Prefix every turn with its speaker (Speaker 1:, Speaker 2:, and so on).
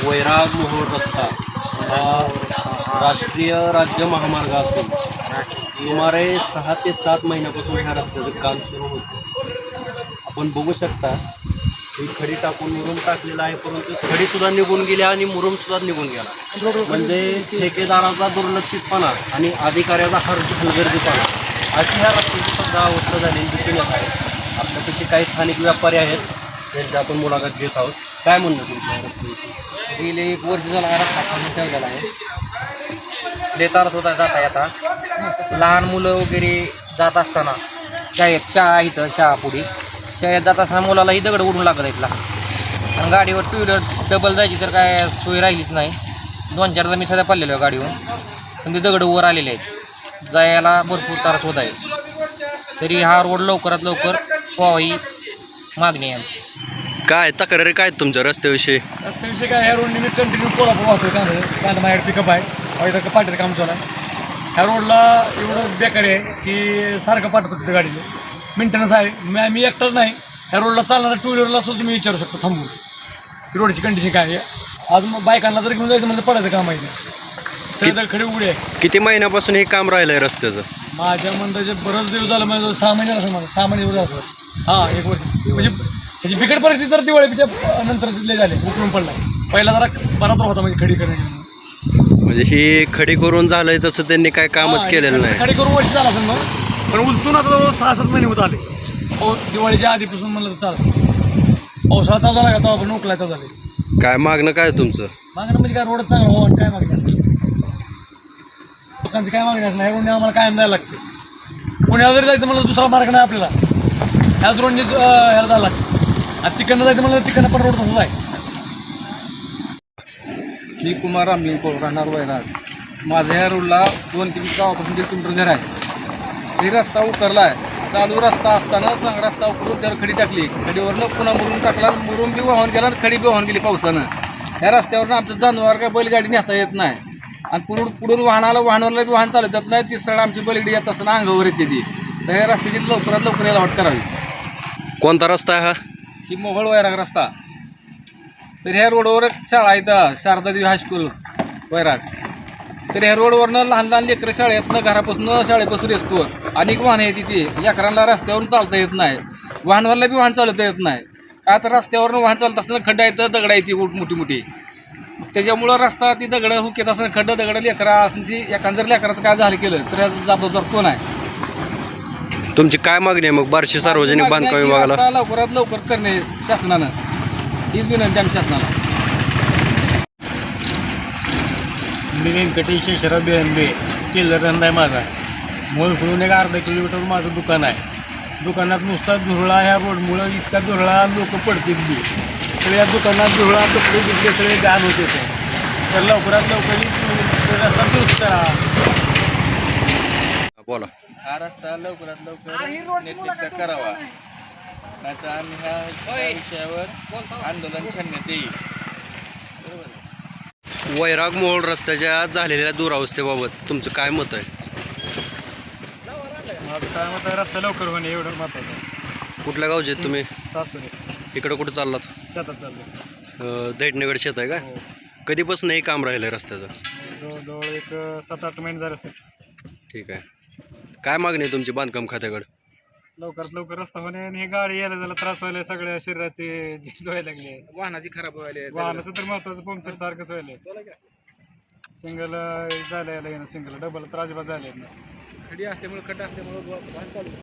Speaker 1: वैराग मोहोळ रस्ता हा राष्ट्रीय राज्य महामार्ग असून सुमारे 6 ते 7 महिन्यापासून ह्या रस्त्याचं काम सुरू होतं. आपण बघू शकता ही खडी टाकून मुरुम टाकलेला आहे, परंतु खडीसुद्धा निघून गेली आणि मुरुमसुद्धा निघून गेला. म्हणजे ठेकेदाराचा दुर्लक्षितपणा आणि अधिकाऱ्याचा हलगर्जीपणा अशी ह्या रस्त्याची सुद्धा अवस्था झालेली दिसून येत आहे. आपल्यापेक्षा काही स्थानिक व्यापारी आहेत त्यांची आपण मुलाखत घेत आहोत. काय म्हणणं तुमच्या रस्त्याविषयी?
Speaker 2: गेले 1 वर्ष झाला हा रस्ता खाली ठेवलेला आहे. लेतारत होता जाता येता लहान मुलं वगैरे जात असताना शाळा इथं पुढे शाळेत जात असताना मुलालाही दगड उडून लागत आहेत आणि गाडीवर 2 व्हीलर डबल जायची तर काय सोय राहिलीच नाही. 2-4दा मी सध्या पडलेलो आहे गाडीवर, पण ते दगड वर आलेले आहेत, जायला भरपूर त्रास होत आहे. तरी हा रोड लवकरात लवकर व्हावा ही मागणी आहे.
Speaker 1: काय तक्रारी काय तुमच्या रस्त्याविषयी?
Speaker 3: रस्त्याविषयी काय, ह्या रोडने मी कंटिन्यू कोल्हापूर वाहतोय. कांदा माझ्याकडे पिकअप आहे, इथं पाठीचं काम चालू आहे. ह्या रोडला एवढं बेकारी आहे की सारखं पाठवतो तिथे गाडीचं मेंटेनन्स आहे. मी एकटाच नाही, ह्या रोडला चालणाऱ्या 2 व्हीलरला सुद्धा तुम्ही विचारू शकतो थांबून की रोडची कंडिशन काय आहे. आज मग बायकांना जर घेऊन जायचं म्हणजे पडायचं काम आहे, सगळं खडी उघडी आहे.
Speaker 1: किती महिन्यापासून हे काम राहिलंय रस्त्याचं?
Speaker 3: माझ्या मंदाचे बरंच दिवस झालं, म्हणजे 6 महिने असं, मला 6 महिने असं. हां, 1 वर्ष. म्हणजे त्याची बिकट परिस्थिती तर दिवाळीच्या नंतर तिथले झाले, उकळून पडला. पहिला जरा बराबर होता म्हणजे खडी करण्याची.
Speaker 1: म्हणजे ही खडी करून झालंय तसं त्यांनी काय कामच केलेलं नाही.
Speaker 3: खडी करून वर्ष झाला असेल मग, पण उलटून आता जवळ 6-7 महिने होत आले. दिवाळीच्या आधीपासून म्हणलं तर चालतं. पावसाळा चालू झाला का तेव्हा आपण उकलाय चालू झाले.
Speaker 1: काय मागणं काय तुमचं?
Speaker 3: मागणं म्हणजे काय, रोड चांगला हो आणि काय मागणी असते लोकांची, काय मागणी असणार. ह्या रोडने आम्हाला कायम जायला लागते. पुण्याला जरी जायचं म्हणलं दुसरा मार्ग नाही आपल्याला, ह्याच रोडने ह्याला जायला लागतं. आता तिकडनं जायचं म्हणलं तिकडनं पण रोड तसंच आहे.
Speaker 2: मी कुमार रामलिंग राहणार वैराग. माझ्या ह्या रोडला 2-3 गावापासून 1.5 किलोमीटर घर आहे. हे रस्ता उतरला आहे, चालू रस्ता असताना चांगला रस्ता उतरून त्यावर खडी टाकली. खडीवरनं पुन्हा मुरुम टाकला, मुरुम बी वाहून गेला आणि खडी बी वाहून गेली पावसानं. ह्या रस्त्यावरनं आमचं जनावर काय बैलगाडी नेता येत नाही आणि पुढून वाहनाला बी वाहन चालत जात नाही. ती सळ आमची बैलगाडी येत असताना अंगावर येते ती. तर ह्या रस्त्याची लवकरात लवकर याला वाट करावी.
Speaker 1: कोणता रस्ता आहे हा?
Speaker 2: ही मोहोळ वैराग रस्ता. तर ह्या रोडवर एक शाळा आहे इथं, शारदा देवी हायस्कूल वैराग. तर ह्या रोडवरनं लहान लहान लेकरं शाळेतनं घरापासून शाळेपासून असतो. अनेक वाहनं येते ती, लेकरांना रस्त्यावरून चालता येत नाही, वाहनवरला बी वाहन चालवता येत नाही. का तर रस्त्यावरून वाहन चालत असताना खड्डा येतं, दगडा येते मोठी मोठी. त्याच्यामुळं रस्ता ती दगडं हुकेत असताना खड्डं दगडं लेकरा असण्याची, एखादं जर लेकराचं काय झालं केलं तर याचा जबाबदार कोण आहे?
Speaker 1: तुमची काय मागणी आहे मग बार्शी सार्वजनिक बांधकाम विभागाला?
Speaker 2: रस्ता लवकरात लवकर करणे शासनानं, हीच विनंती आमच्या शासनाला.
Speaker 3: मी व्यंकटेश शेषराव बिळंबे, टेलर धंदा आहे माझा. मूळ सोडून एक अर्धा किलोमीटर माझं दुकान आहे. दुकानात नुसता धुरळा, ह्या रोडमुळं इतका धुरळा, लोक पडतील बी. सगळ्या दुकानात धुरळा, कपडे बिकडे सगळे घाण होते. तर लवकरात लवकर रस्ता दुरुस्त करा.
Speaker 1: बोला.
Speaker 2: हा रस्ता लवकरात लवकर नीटनेटका करावा, नाहीतर आम्ही ह्या विषयावर आंदोलन छेडण्यात येईल.
Speaker 1: वैराग मोहोळ रस्त्याच्या झालेल्या दुरावस्थेबाबत तुमचं काय मत आहे?
Speaker 3: माझं काय मत आहे, रस्ता लवकर होणे एवढं महत्त्वाचं आहे.
Speaker 1: कुठल्या गावचे आहेत तुम्ही?
Speaker 3: सासूने
Speaker 1: इकडं कुठं चाललात?
Speaker 3: शेतात चाललं.
Speaker 1: दैठणीकडे शेत आहे का? कधीपासून हे काम राहिलं आहे रस्त्याचं?
Speaker 3: जवळजवळ एक 7-8 महिने झाले असते.
Speaker 1: ठीक आहे. काय मागणी आहे तुमची बांधकाम खात्याकडे?
Speaker 3: लवकरात लवकर रस्ता होणे आणि हे गाडी यायला जायला त्रास व्हायला, सगळ्या शरीराचे झीज व्हायला लागले.
Speaker 2: वाहनाची खराब व्हायला,
Speaker 3: वाहनाचं तर महत्वाचं, पंक्चर सारखंच व्हायला. सिंगल जायला यायला येणं, सिंगल डबल तर अजिबात जायला येत नाही.
Speaker 2: खडी असल्यामुळे खड्डा असल्यामुळे वाहन चालू